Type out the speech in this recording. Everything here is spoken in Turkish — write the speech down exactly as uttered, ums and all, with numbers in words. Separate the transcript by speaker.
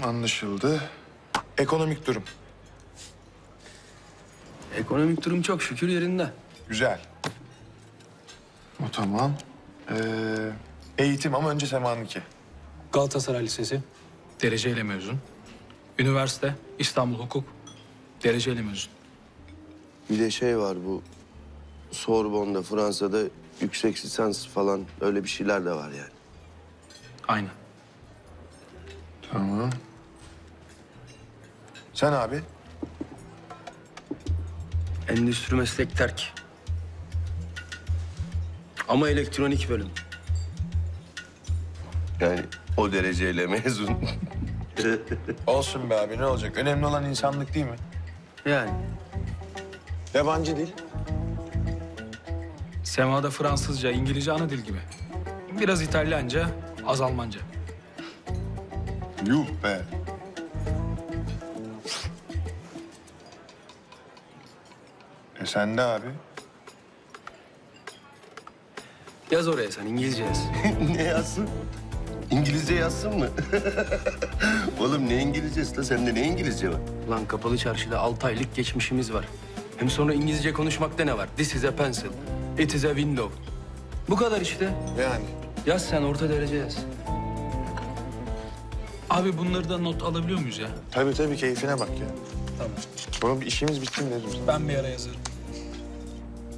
Speaker 1: anlaşıldı. Ekonomik durum.
Speaker 2: Ekonomik durum çok şükür yerinde.
Speaker 1: Güzel. O tamam. Ee, eğitim ama önce Sema'nınki.
Speaker 3: Galatasaray Lisesi, dereceyle mezun. Üniversite, İstanbul Hukuk, dereceyle mezun.
Speaker 4: Bir de şey var bu Sorbonne'da Fransa'da yüksek lisans falan öyle bir şeyler de var yani.
Speaker 3: Aynen.
Speaker 1: Tamam. Sen abi?
Speaker 2: Endüstri meslek terk. Ama elektronik bölüm.
Speaker 4: Yani o dereceyle mezun.
Speaker 1: Olsun be abi, ne olacak? Önemli olan insanlık değil mi?
Speaker 2: Yani
Speaker 1: Yabancı dil.
Speaker 3: Sema'da Fransızca, İngilizce ana dil gibi. Biraz İtalyanca, az Almanca.
Speaker 1: Yuh be. E sen de abi.
Speaker 2: yaz oraya sen İngilizce yaz.
Speaker 4: Ne yazsın? İngilizce yazsın mı? Oğlum ne İngilizcesi la? Sende ne İngilizce var?
Speaker 2: Lan kapalı çarşıda altı aylık geçmişimiz var. Hem sonra İngilizce konuşmakta ne var? This is a pencil. It is a window. Bu kadar işte.
Speaker 1: Yani.
Speaker 2: Yaz sen orta derece yaz.
Speaker 3: Abi bunları da not alabiliyor muyuz ya?
Speaker 1: Tabii tabii, keyfine bak ya.
Speaker 3: Tamam.
Speaker 1: Sonra bir işimiz bitti mi dedim sana.
Speaker 3: Ben bir ara yazarım.